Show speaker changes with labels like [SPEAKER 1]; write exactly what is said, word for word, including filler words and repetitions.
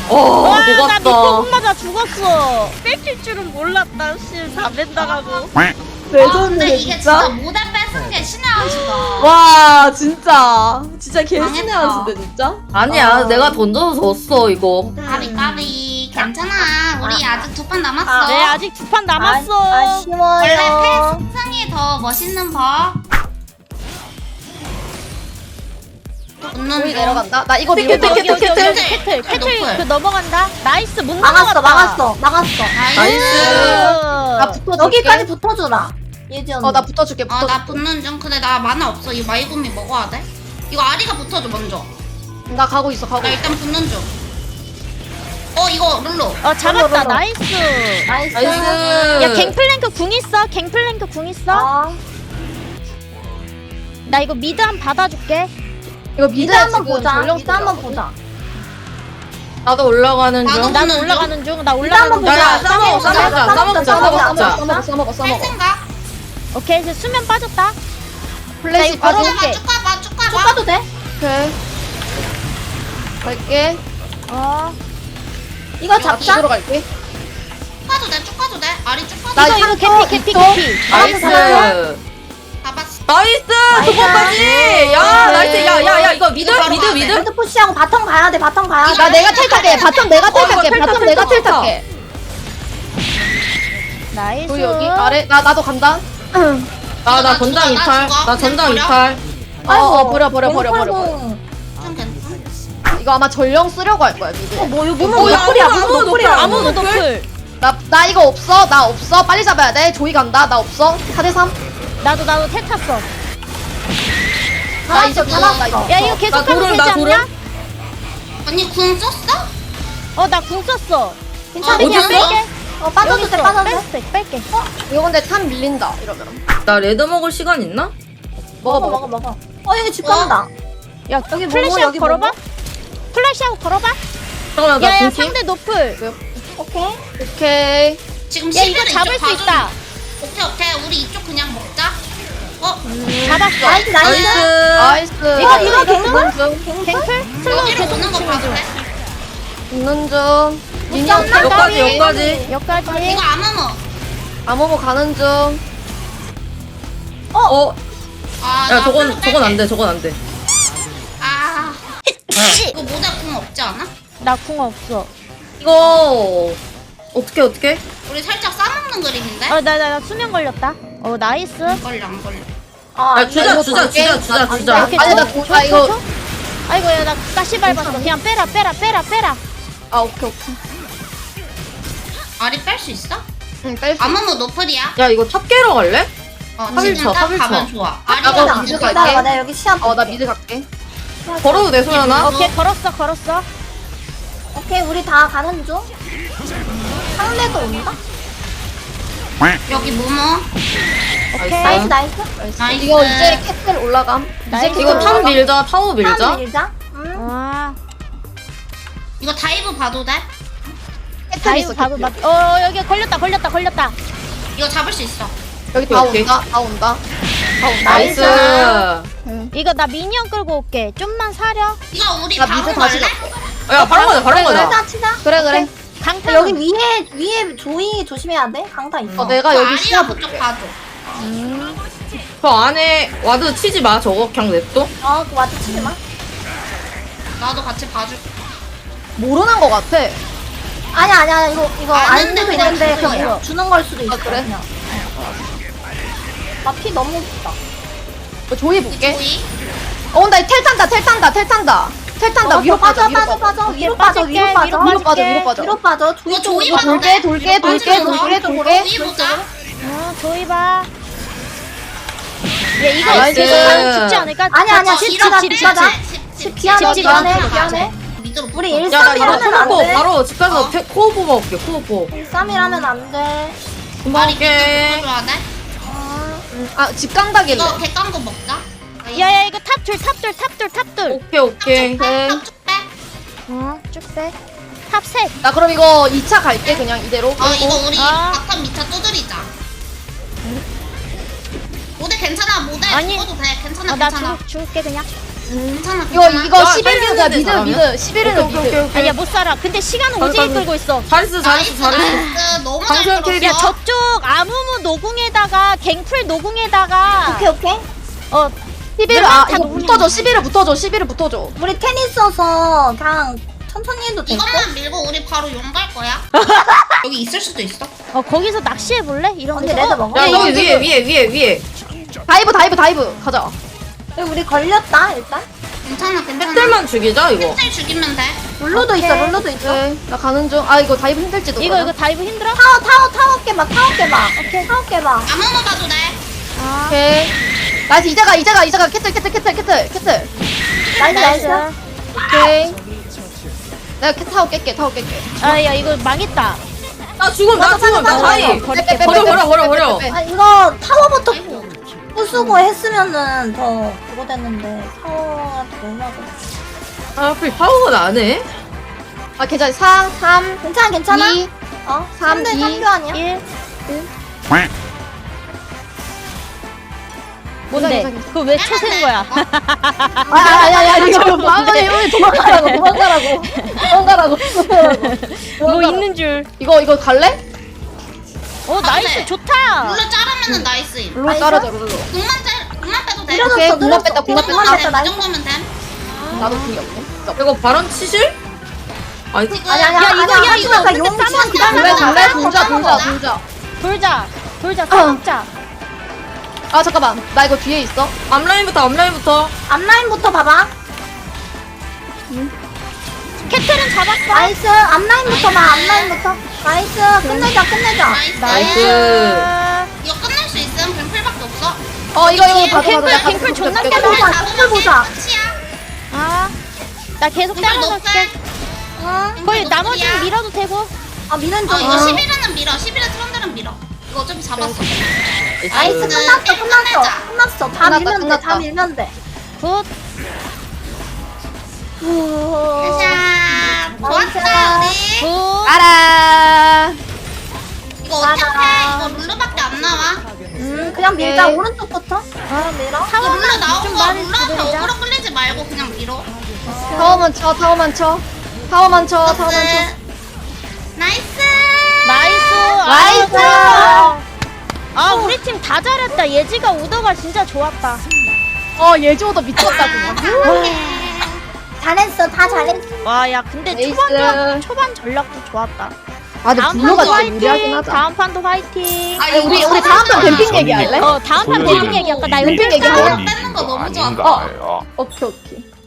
[SPEAKER 1] 어,
[SPEAKER 2] 와, 나
[SPEAKER 1] 녹았다.
[SPEAKER 2] 미포 맞아 죽었어. 뺏길 줄은 몰랐다. 씨, 다 뺀다가고.
[SPEAKER 3] 근데 이게 진짜 모델 뺏은 게 신의 한 수다.
[SPEAKER 4] 와 진짜 진짜 개신의
[SPEAKER 3] 망했다.
[SPEAKER 4] 한 수인데 진짜.
[SPEAKER 1] 아니야,
[SPEAKER 4] 아.
[SPEAKER 1] 내가 던져서 졌어, 이거.
[SPEAKER 3] 까비 까비 괜찮아. 우리 아직 두 판 남았어.
[SPEAKER 2] 네, 아직 두 판 남았어.
[SPEAKER 3] 원래 패
[SPEAKER 4] 아쉬워요.
[SPEAKER 3] 승상이 더 멋있는 법. 웃는
[SPEAKER 4] 우리
[SPEAKER 3] 중.
[SPEAKER 4] 내려간다. 나 이거 밀고
[SPEAKER 2] 여기, 여기,
[SPEAKER 4] 들어갈게.
[SPEAKER 2] 여기, 여기,
[SPEAKER 3] 캐틀.
[SPEAKER 2] 캐틀, 캐틀
[SPEAKER 3] 높을.
[SPEAKER 2] 그 넘어간다. 나이스, 못
[SPEAKER 5] 막았어,
[SPEAKER 2] 넘어갔다.
[SPEAKER 5] 막았어, 막았어.
[SPEAKER 3] 나이스.
[SPEAKER 4] 나 붙어줄게.
[SPEAKER 5] 여기까지 붙어주라. 예지 언니.
[SPEAKER 4] 어나 붙어줄게.
[SPEAKER 3] 어,
[SPEAKER 4] 붙어줄게.
[SPEAKER 3] 나 붙는 중. 근데 나 만화 없어. 이 마이구미 먹어야 돼. 이거 아리가 붙어줘 먼저.
[SPEAKER 4] 나 가고 있어. 가고
[SPEAKER 3] 나
[SPEAKER 4] 있어.
[SPEAKER 3] 일단 붙는 중. 어 이거 룰루.
[SPEAKER 2] 어, 잡았다.
[SPEAKER 5] 롤러, 롤러.
[SPEAKER 2] 나이스.
[SPEAKER 5] 나이스.
[SPEAKER 1] 나이스.
[SPEAKER 2] 야, 갱플랭크 궁 있어. 갱플랭크 궁 있어.
[SPEAKER 5] 어.
[SPEAKER 2] 나 이거 미드 한 받아줄게.
[SPEAKER 4] 이거
[SPEAKER 5] 미드
[SPEAKER 4] 미드
[SPEAKER 5] 한번
[SPEAKER 4] 지금
[SPEAKER 5] 보자.
[SPEAKER 4] 전령
[SPEAKER 5] 미드 한번
[SPEAKER 4] 쓰려고.
[SPEAKER 5] 보자.
[SPEAKER 1] 나도 올라가는
[SPEAKER 3] 나도
[SPEAKER 1] 중.
[SPEAKER 2] 난
[SPEAKER 3] 중.
[SPEAKER 2] 올라가는 중. 나
[SPEAKER 5] 미드
[SPEAKER 2] 올라가는
[SPEAKER 5] 한번
[SPEAKER 2] 중.
[SPEAKER 1] 야, 야,
[SPEAKER 5] 보자.
[SPEAKER 1] 싸먹어, 싸먹자, 싸먹자, 싸먹자.
[SPEAKER 4] 싸먹어 싸먹어
[SPEAKER 3] 할
[SPEAKER 4] 싸먹어.
[SPEAKER 3] 생각?
[SPEAKER 2] 오케이, 이제 수면 빠졌다.
[SPEAKER 4] 플래시
[SPEAKER 2] 나 이거
[SPEAKER 4] 빠져.
[SPEAKER 2] 걸어볼게.
[SPEAKER 3] 쭉 가봐 쭉 가봐.
[SPEAKER 5] 쭉 가도 돼?
[SPEAKER 4] 오케이. 갈게.
[SPEAKER 2] 어.
[SPEAKER 5] 이거
[SPEAKER 4] 나
[SPEAKER 5] 잡자.
[SPEAKER 4] 뒤로 갈게.
[SPEAKER 3] 쭉 가도 돼. 쭉 가도 돼. 아리 쭉 가도
[SPEAKER 4] 나
[SPEAKER 3] 돼.
[SPEAKER 2] 이거
[SPEAKER 4] 이거
[SPEAKER 2] 개피, 개피,
[SPEAKER 4] 있어.
[SPEAKER 2] 개피.
[SPEAKER 1] 나이스.
[SPEAKER 3] 잡았어.
[SPEAKER 1] 나이스! 두 번까지! 야, 나이스! 야, 야, 야, 이거 미드?
[SPEAKER 3] 이거 바로
[SPEAKER 1] 미드,
[SPEAKER 3] 가야 돼.
[SPEAKER 1] 미드?
[SPEAKER 5] 미드 푸시하고 바텀 가야 돼. 바텀 가야 돼.
[SPEAKER 4] 나 내가 텔 탈게. 바텀 내가 텔
[SPEAKER 1] 어, 이거
[SPEAKER 4] 탈게.
[SPEAKER 1] 텔 타,
[SPEAKER 4] 바텀
[SPEAKER 1] 텔
[SPEAKER 4] 내가
[SPEAKER 1] 타,
[SPEAKER 4] 텔
[SPEAKER 1] 텔 타.
[SPEAKER 4] 탈게.
[SPEAKER 2] 나이스.
[SPEAKER 4] 우리 여기 아래 나 나도 간다.
[SPEAKER 1] 아, 나
[SPEAKER 3] 나
[SPEAKER 1] 전장
[SPEAKER 3] 죽어, 나
[SPEAKER 1] 이탈.
[SPEAKER 3] 죽어.
[SPEAKER 1] 나 전장
[SPEAKER 3] 그냥
[SPEAKER 1] 이탈.
[SPEAKER 4] 어, 어 버려 버려 버려 버려. 버려.
[SPEAKER 5] 공.
[SPEAKER 3] 좀 괜찮아.
[SPEAKER 4] 이거 아마 전령 쓰려고 할 거야 미드.
[SPEAKER 5] 어, 뭐, 이거
[SPEAKER 1] 어,
[SPEAKER 5] 무슨
[SPEAKER 1] 야,
[SPEAKER 5] 노플이야,
[SPEAKER 1] 아무도,
[SPEAKER 5] 무슨
[SPEAKER 1] 아무도
[SPEAKER 5] 노플이야.
[SPEAKER 2] 아무도
[SPEAKER 1] 노플?
[SPEAKER 2] 노플.
[SPEAKER 4] 나 나 이거 없어. 나 없어. 빨리 잡아야 돼. 조이 간다. 나 없어. 사 대 삼.
[SPEAKER 2] 나도, 나도 텔 탔어.
[SPEAKER 4] 나 이제
[SPEAKER 5] 잡았어.
[SPEAKER 4] 나 이거.
[SPEAKER 2] 야, 이거 계속
[SPEAKER 1] 나
[SPEAKER 2] 하면
[SPEAKER 1] 돌을,
[SPEAKER 2] 되지
[SPEAKER 1] 나
[SPEAKER 2] 않냐?
[SPEAKER 1] 돌을?
[SPEAKER 3] 언니 궁 썼어?
[SPEAKER 2] 어, 나 궁 썼어.
[SPEAKER 5] 괜찮아.
[SPEAKER 3] 어디
[SPEAKER 2] 그냥
[SPEAKER 3] 있어?
[SPEAKER 2] 뺄게.
[SPEAKER 5] 어, 빠져도
[SPEAKER 2] 여기
[SPEAKER 5] 돼,
[SPEAKER 2] 있어.
[SPEAKER 5] 빠져도 돼.
[SPEAKER 2] 뺄게, 뺄게.
[SPEAKER 4] 이거 근데 탑 밀린다. 이러면.
[SPEAKER 1] 나 레드 먹을 시간 있나?
[SPEAKER 4] 먹어
[SPEAKER 5] 먹어,
[SPEAKER 4] 먹어.
[SPEAKER 5] 먹어, 먹어. 어, 여기 집 간다.
[SPEAKER 2] 야,
[SPEAKER 5] 여기 뭐고,
[SPEAKER 2] 플래시하고
[SPEAKER 5] 여기
[SPEAKER 2] 걸어봐.
[SPEAKER 5] 뭐고?
[SPEAKER 2] 플래시하고 걸어봐.
[SPEAKER 1] 잠깐만, 나
[SPEAKER 2] 야, 야,
[SPEAKER 1] 궁키?
[SPEAKER 2] 상대 노플.
[SPEAKER 5] 오케이.
[SPEAKER 4] 오케이.
[SPEAKER 3] 지금
[SPEAKER 2] 야, 이거
[SPEAKER 3] 시비를
[SPEAKER 2] 잡을
[SPEAKER 3] 이쪽
[SPEAKER 2] 수
[SPEAKER 3] 봐줘.
[SPEAKER 2] 있다.
[SPEAKER 3] 오케이 오케이 우리 이쪽 그냥 먹자. 어?
[SPEAKER 2] 잡았어.
[SPEAKER 5] 나이스, 나이스.
[SPEAKER 1] 나이스.
[SPEAKER 4] 나이스.
[SPEAKER 2] 이거,
[SPEAKER 5] 어, 이거 갱플?
[SPEAKER 4] 중.
[SPEAKER 2] 갱플? 슬로우
[SPEAKER 3] 여기로
[SPEAKER 2] 계속
[SPEAKER 3] 오는 거
[SPEAKER 2] 치면
[SPEAKER 3] 봐도
[SPEAKER 2] 돼.
[SPEAKER 3] 돼?
[SPEAKER 4] 붙는 중. 미니언
[SPEAKER 5] 잡나?
[SPEAKER 1] 여기까지, 여기까지.
[SPEAKER 2] 여기까지.
[SPEAKER 3] 이거 아무모.
[SPEAKER 4] 아모모 가는 중.
[SPEAKER 1] 어,
[SPEAKER 3] 아,
[SPEAKER 1] 야,
[SPEAKER 3] 나
[SPEAKER 1] 저건,
[SPEAKER 3] 별로
[SPEAKER 1] 저건 안
[SPEAKER 3] 뺄게.
[SPEAKER 1] 돼, 저건 안 돼.
[SPEAKER 3] 아. 이거 모자 궁 없지 않아?
[SPEAKER 2] 나 궁 없어.
[SPEAKER 1] 이거, 어떻게, 어떻게?
[SPEAKER 3] 우리 살짝 싸먹는 그림인데?
[SPEAKER 2] 어, 나, 나, 나 수면 걸렸다. 어, 나이스.
[SPEAKER 3] 안 걸려 안 걸려.
[SPEAKER 5] 아,
[SPEAKER 1] 야, 주자,
[SPEAKER 4] 이거
[SPEAKER 1] 주자,
[SPEAKER 4] 볼게.
[SPEAKER 1] 주자, 주자,
[SPEAKER 4] 아,
[SPEAKER 1] 주자.
[SPEAKER 2] 이렇게
[SPEAKER 4] 아니,
[SPEAKER 2] 줘,
[SPEAKER 4] 나 고-
[SPEAKER 2] 줘,
[SPEAKER 4] 아,
[SPEAKER 2] 줘,
[SPEAKER 4] 이거-
[SPEAKER 2] 줘. 아이고, 야, 나 가시 밟았어. 그냥 빼라, 빼라, 빼라, 빼라.
[SPEAKER 4] 아 오케이 오케이.
[SPEAKER 3] 아리 뺄 수 있어?
[SPEAKER 4] 응 뺄 수.
[SPEAKER 3] 아무모 노플이야.
[SPEAKER 1] 야, 이거 탑 깨러 갈래?
[SPEAKER 3] 어,
[SPEAKER 1] 합일
[SPEAKER 3] 지금
[SPEAKER 1] 쳐,
[SPEAKER 3] 딱
[SPEAKER 1] 합일
[SPEAKER 3] 가면
[SPEAKER 1] 쳐.
[SPEAKER 3] 좋아.
[SPEAKER 4] 나도
[SPEAKER 3] 아리가
[SPEAKER 4] 미드
[SPEAKER 3] 미드
[SPEAKER 4] 갈게.
[SPEAKER 5] 기다려봐. 내가 여기 시합.
[SPEAKER 4] 어나 미드 갈게.
[SPEAKER 1] 걸어도 돼, 소연아?
[SPEAKER 2] 오케이, 걸었어, 걸었어.
[SPEAKER 5] 오케이, 우리 다 가는 중. 상대도 온다?
[SPEAKER 3] 여기 모모.
[SPEAKER 2] 오케이.
[SPEAKER 5] 나이스, 나이스.
[SPEAKER 3] 나이스.
[SPEAKER 4] 이거 이제 캐틀 올라감.
[SPEAKER 2] 나이스.
[SPEAKER 4] 이제
[SPEAKER 1] 이거
[SPEAKER 4] 캐틀
[SPEAKER 1] 탑
[SPEAKER 4] 올라감.
[SPEAKER 1] 밀자, 타워 밀자.
[SPEAKER 5] 밀자. 밀자. 응.
[SPEAKER 2] 아,
[SPEAKER 3] 이거 다이브 봐도 돼?
[SPEAKER 4] 캐틀 있어.
[SPEAKER 2] 다이브 바로
[SPEAKER 4] 캐틀.
[SPEAKER 2] 맞. 어, 여기 걸렸다, 걸렸다, 걸렸다.
[SPEAKER 3] 이거 잡을 수 있어.
[SPEAKER 4] 여기 다
[SPEAKER 1] 오케이.
[SPEAKER 4] 온다. 다 온다. 다 온다.
[SPEAKER 1] 나이스.
[SPEAKER 2] 이거 나 미니언 끌고 올게. 좀만 사려.
[SPEAKER 3] 이거 우리
[SPEAKER 4] 나
[SPEAKER 3] 바로
[SPEAKER 4] 미드 다시
[SPEAKER 3] 갈래?
[SPEAKER 4] 갈게.
[SPEAKER 1] 야, 바로 가자, 바로 가자.
[SPEAKER 5] 치자, 치자.
[SPEAKER 4] 그래 그래.
[SPEAKER 2] 강타.
[SPEAKER 5] 여기 위에, 위에 조이 조심해야 돼. 강타 있어.
[SPEAKER 4] 어 내가
[SPEAKER 3] 그
[SPEAKER 4] 여기
[SPEAKER 3] 아리가
[SPEAKER 4] 시합
[SPEAKER 3] 그쪽
[SPEAKER 4] 볼게.
[SPEAKER 3] 봐줘.
[SPEAKER 1] 저 안에 와드 치지 마, 저거. 그냥 냅둬.
[SPEAKER 5] 어, 그 와드 치지 마.
[SPEAKER 3] 나도 같이 봐줄.
[SPEAKER 4] 모르는 거 같아.
[SPEAKER 5] 아니야, 아니야, 아니야. 이거, 이거
[SPEAKER 3] 아는데
[SPEAKER 5] 아는 도
[SPEAKER 3] 그냥
[SPEAKER 5] 있는데,
[SPEAKER 3] 주는
[SPEAKER 5] 그냥
[SPEAKER 3] 거야.
[SPEAKER 5] 주는 걸 수도 있어.
[SPEAKER 4] 아, 그래?
[SPEAKER 5] 그냥. 나피 너무 없다.
[SPEAKER 4] 어, 조이 볼게.
[SPEAKER 3] 조이.
[SPEAKER 4] 어, 나 텔 탄다, 텔 탄다, 텔 탄다. 텔 탄다.
[SPEAKER 5] 어,
[SPEAKER 4] 위로 빠져,
[SPEAKER 5] 빠져,
[SPEAKER 4] 위로
[SPEAKER 5] 빠져,
[SPEAKER 4] 빠져.
[SPEAKER 5] 빠져. 위로
[SPEAKER 2] 오케이,
[SPEAKER 5] 빠져,
[SPEAKER 2] 빠질게,
[SPEAKER 5] 위로 빠져.
[SPEAKER 2] 위로
[SPEAKER 4] 위로 빠져,
[SPEAKER 2] 빠질게.
[SPEAKER 4] 위로 빠져.
[SPEAKER 5] 위로 빠져. 조이
[SPEAKER 3] 이거
[SPEAKER 5] 쪽으로.
[SPEAKER 3] 조이
[SPEAKER 4] 이거
[SPEAKER 3] 봐도
[SPEAKER 4] 돌게,
[SPEAKER 3] 돼?
[SPEAKER 4] 돌게,
[SPEAKER 3] 위로
[SPEAKER 4] 돌게,
[SPEAKER 3] 빠지는 거.
[SPEAKER 4] 돌게, 돌게.
[SPEAKER 3] 조이 보자.
[SPEAKER 2] 어, 조이 봐. 얘 이거
[SPEAKER 1] 나이스.
[SPEAKER 2] 계속 하면 죽지 않을까?
[SPEAKER 5] 아니야, 아니야.
[SPEAKER 2] 집,
[SPEAKER 5] 집
[SPEAKER 2] 집,
[SPEAKER 5] 가자,
[SPEAKER 2] 집,
[SPEAKER 5] 집
[SPEAKER 2] 집,
[SPEAKER 5] 가자.
[SPEAKER 2] 집.
[SPEAKER 5] 집 피하네,
[SPEAKER 2] 집, 집,
[SPEAKER 5] 피하네,
[SPEAKER 2] 집,
[SPEAKER 5] 피하네.
[SPEAKER 3] 미드로
[SPEAKER 5] 우리
[SPEAKER 3] 붙어.
[SPEAKER 1] 야, 나 이거
[SPEAKER 5] 일삼이라면 안
[SPEAKER 1] 코어포
[SPEAKER 5] 돼.
[SPEAKER 1] 바로 집 가서
[SPEAKER 3] 어.
[SPEAKER 1] 테- 코어포 먹을게, 코어포.
[SPEAKER 5] 일삼이라면 안 돼.
[SPEAKER 1] 금방
[SPEAKER 3] 아리 미드
[SPEAKER 1] 올게.
[SPEAKER 3] 붙어줘야 돼?
[SPEAKER 4] 아, 집 강다길래.
[SPEAKER 3] 이거 객강고 먹자.
[SPEAKER 2] 야야 이거 탑둘 탑둘 탑둘 탑둘.
[SPEAKER 1] 오케이, 오케이.
[SPEAKER 3] 쭉 빼.
[SPEAKER 2] 어, 쭉 빼. 탑 셋.
[SPEAKER 4] 나 그럼 이거 이 차 갈게, 그냥 이대로.
[SPEAKER 3] 어 이거 우리
[SPEAKER 2] 아.
[SPEAKER 3] 바텀 미차 두드리자. 모델 괜찮아 모델
[SPEAKER 2] 아니.
[SPEAKER 3] 죽어도 돼 괜찮아
[SPEAKER 2] 어, 나
[SPEAKER 3] 괜찮아.
[SPEAKER 2] 죽, 죽을게 그냥.
[SPEAKER 3] 괜찮아
[SPEAKER 4] 이거
[SPEAKER 3] 괜찮아.
[SPEAKER 4] 이거
[SPEAKER 1] 야,
[SPEAKER 4] 십일 은
[SPEAKER 1] 빨리
[SPEAKER 4] 미드
[SPEAKER 1] 했는데,
[SPEAKER 4] 미드 십일 은
[SPEAKER 1] 오케이, 오케이,
[SPEAKER 4] 미드.
[SPEAKER 1] 오케이.
[SPEAKER 2] 아니야 못 살아. 근데 시간은
[SPEAKER 1] 가자,
[SPEAKER 2] 오지게
[SPEAKER 1] 가자.
[SPEAKER 2] 끌고 있어.
[SPEAKER 1] 잘했어 잘했어
[SPEAKER 3] 나이스
[SPEAKER 1] 잘했어.
[SPEAKER 3] 나이스 너무 잘
[SPEAKER 1] 방송
[SPEAKER 3] 들었어.
[SPEAKER 2] 야 저쪽 아무무 노궁에다가 갱플 노궁에다가
[SPEAKER 5] 오케이 오케이.
[SPEAKER 2] 어
[SPEAKER 4] 십일 아
[SPEAKER 2] 다
[SPEAKER 4] 이거
[SPEAKER 2] 녹음이야.
[SPEAKER 4] 붙어줘 십일 을 붙어줘 십일 을 붙어줘.
[SPEAKER 5] 우리 테니스 써서 그냥 천천히 해도 될 듯?
[SPEAKER 3] 이것만 밀고 우리 바로 용 갈 거야. 여기 있을 수도 있어.
[SPEAKER 2] 어 거기서 낚시해 볼래? 이런
[SPEAKER 5] 언니
[SPEAKER 2] 데서?
[SPEAKER 5] 레드 먹어.
[SPEAKER 1] 야
[SPEAKER 4] 이거,
[SPEAKER 1] 여기
[SPEAKER 4] 이거,
[SPEAKER 1] 위에 위에 위에 위에.
[SPEAKER 4] 다이브 다이브 다이브 가자.
[SPEAKER 5] 여기 우리 걸렸다 일단.
[SPEAKER 3] 괜찮아 괜찮아.
[SPEAKER 1] 팩들만 죽이자 이거.
[SPEAKER 3] 팩들 죽이면 돼.
[SPEAKER 5] 룰루도 있어 룰루도 있어.
[SPEAKER 4] 네, 나 가는 중. 아 이거 다이브 힘들지도.
[SPEAKER 2] 이거 이거 다이브 힘들어?
[SPEAKER 5] 타워 타워 타워 깨봐 타워 깨봐. 오케이 타워 깨봐.
[SPEAKER 3] 아무나 봐도 돼.
[SPEAKER 2] 아
[SPEAKER 4] 오케이. 나이스 이자가 이자가 이자가 캐틀 캐틀 캐틀 캐틀 캐틀.
[SPEAKER 5] 나이스 나이스.
[SPEAKER 4] 오케이. 내가 캐 타워 깰게 타워 깰게.
[SPEAKER 2] 아야 이거 망했다.
[SPEAKER 1] 나 죽음 나 죽음 나 다이.
[SPEAKER 2] 버릴게.
[SPEAKER 4] 빼, 빼,
[SPEAKER 1] 버려
[SPEAKER 4] 빼,
[SPEAKER 1] 버려
[SPEAKER 4] 빼,
[SPEAKER 1] 버려
[SPEAKER 4] 빼,
[SPEAKER 1] 버려.
[SPEAKER 4] 빼, 빼.
[SPEAKER 5] 아 이거 타워부터 부수고 했으면은 더 그거 됐는데 타워가 너무 하고.
[SPEAKER 1] 아 하필 파워가 나네.
[SPEAKER 4] 아 괜찮아. 사 삼
[SPEAKER 5] 괜찮아 괜찮아.
[SPEAKER 4] 이
[SPEAKER 5] 어?
[SPEAKER 4] 삼,
[SPEAKER 5] 삼 대
[SPEAKER 4] 이,
[SPEAKER 5] 삼 표 아니야?
[SPEAKER 2] 일
[SPEAKER 4] 괜찮아,
[SPEAKER 2] 뭔데?
[SPEAKER 4] 괜찮아.
[SPEAKER 2] 그거 왜 쳐센 거야?
[SPEAKER 4] 아야야야 이거 마음에 오늘 도망가라고 도망가라고 도망가라고
[SPEAKER 2] 뭐 있는 줄.
[SPEAKER 4] 이거 이거 갈래?
[SPEAKER 2] 어 나이스
[SPEAKER 3] 네.
[SPEAKER 2] 좋다.
[SPEAKER 3] 룰루 자르면은 나이스임.
[SPEAKER 4] 룰로
[SPEAKER 5] 나이스?
[SPEAKER 4] 따라줘 룰로.
[SPEAKER 3] 공만 짤 공만 빼도 돼.
[SPEAKER 5] 밀어줬어
[SPEAKER 4] 오케이, 공만
[SPEAKER 5] 밀어줬어.
[SPEAKER 4] 뺐다, 공만
[SPEAKER 3] 이
[SPEAKER 4] 뺐다.
[SPEAKER 3] 정도면 돼.
[SPEAKER 5] 나이스.
[SPEAKER 3] 이 정도면 돼.
[SPEAKER 4] 나도 궁이 없네.
[SPEAKER 1] 이거 발언 치실? 아니
[SPEAKER 3] 지금
[SPEAKER 5] 아니 아니
[SPEAKER 2] 야,
[SPEAKER 5] 아니
[SPEAKER 2] 이거, 야, 이거
[SPEAKER 5] 아까
[SPEAKER 2] 근데
[SPEAKER 5] 용
[SPEAKER 2] 싸면
[SPEAKER 5] 치면
[SPEAKER 2] 안
[SPEAKER 4] 돌래
[SPEAKER 2] 돼.
[SPEAKER 4] 돌래 돌자 돌자 돌자.
[SPEAKER 2] 돌자 돌자 싸먹자.
[SPEAKER 4] 아 잠깐만 나 이거 뒤에 있어.
[SPEAKER 1] 앞라인부터 앞라인부터.
[SPEAKER 5] 앞라인부터 봐봐.
[SPEAKER 2] 캐틀은 잡았어.
[SPEAKER 5] 나이스 앞라인부터 봐 앞라인부터. 나이스 끝내자 끝내자.
[SPEAKER 3] 나이스.
[SPEAKER 1] 나이스.
[SPEAKER 3] 이거 끝낼 수 있음. 뱀풀밖에 없어.
[SPEAKER 4] 어 이거 이거 봐줘
[SPEAKER 2] 갱플,
[SPEAKER 4] 봐줘.
[SPEAKER 2] 갱플 존나
[SPEAKER 4] 나
[SPEAKER 2] 깨져.
[SPEAKER 4] 가져올게.
[SPEAKER 5] 보자, 갱플 보자.
[SPEAKER 3] 끝이야.
[SPEAKER 2] 아, 나 계속
[SPEAKER 3] 뱀풀
[SPEAKER 2] 따라갈게.
[SPEAKER 3] 높게.
[SPEAKER 5] 응.
[SPEAKER 2] 거의 나머지는 밀어도 되고.
[SPEAKER 5] 아 미는
[SPEAKER 3] 어
[SPEAKER 5] 중.
[SPEAKER 3] 이거 십일은 밀어. 십일은 트런들은 밀어. 이거 어차피 잡았어.
[SPEAKER 5] 나이스
[SPEAKER 3] 그,
[SPEAKER 5] 끝났어
[SPEAKER 3] 게임
[SPEAKER 5] 끝났어
[SPEAKER 3] 끝내자.
[SPEAKER 5] 끝났어. 다
[SPEAKER 4] 끝났다,
[SPEAKER 5] 밀면 돼. 다
[SPEAKER 4] 끝났다.
[SPEAKER 5] 밀면 돼.
[SPEAKER 2] 굿.
[SPEAKER 5] 후.
[SPEAKER 3] 자,
[SPEAKER 5] 나이스.
[SPEAKER 3] 좋았다 우리.
[SPEAKER 2] 굿.
[SPEAKER 4] 알아.
[SPEAKER 3] 이거 어떻게
[SPEAKER 5] 맞아.
[SPEAKER 3] 해? 이거 룰루밖에 안 나와.
[SPEAKER 5] 음 그냥 밀자
[SPEAKER 4] 오케이.
[SPEAKER 5] 오른쪽부터. 아 밀어.
[SPEAKER 3] 이거 룰루
[SPEAKER 2] 타워만
[SPEAKER 3] 나온
[SPEAKER 2] 좀
[SPEAKER 3] 거
[SPEAKER 2] 많이
[SPEAKER 3] 룰루한테
[SPEAKER 2] 두드리자.
[SPEAKER 3] 어그로 끌리지 말고 그냥 밀어.
[SPEAKER 4] 타워만 쳐 타워만 쳐. 타워만 쳐 타워만 쳐.
[SPEAKER 3] 나이스.
[SPEAKER 2] 나이스.
[SPEAKER 4] 나이스.
[SPEAKER 2] 아, 아 우리 팀 다 잘했다. 예지가 오더가 진짜 좋았다.
[SPEAKER 4] 어 예지오더 미쳤다 그냥.
[SPEAKER 5] 잘했어 다 잘했어.
[SPEAKER 2] 와 야 근데
[SPEAKER 4] 나이스.
[SPEAKER 2] 초반 전- 초반 전략도 좋았다.
[SPEAKER 4] 아 근데
[SPEAKER 2] 다음
[SPEAKER 4] 블루가
[SPEAKER 2] 판도
[SPEAKER 4] 좀 무리하긴
[SPEAKER 2] 화이팅.
[SPEAKER 4] 하자.
[SPEAKER 2] 다음 판도 화이팅.
[SPEAKER 3] 아,
[SPEAKER 4] 아니, 우리
[SPEAKER 3] 이거
[SPEAKER 4] 우리 다음 판
[SPEAKER 3] 진짜
[SPEAKER 4] 뱀핑 얘기할래?
[SPEAKER 2] 어 다음 판 뱀핑 얘기할까? 나 이거
[SPEAKER 4] 뱀핑
[SPEAKER 2] 뺄까?
[SPEAKER 4] 얘기할래?
[SPEAKER 3] 뺏는 거 너무 좋았다.
[SPEAKER 6] 아닌가요?
[SPEAKER 4] 오케이 오케이.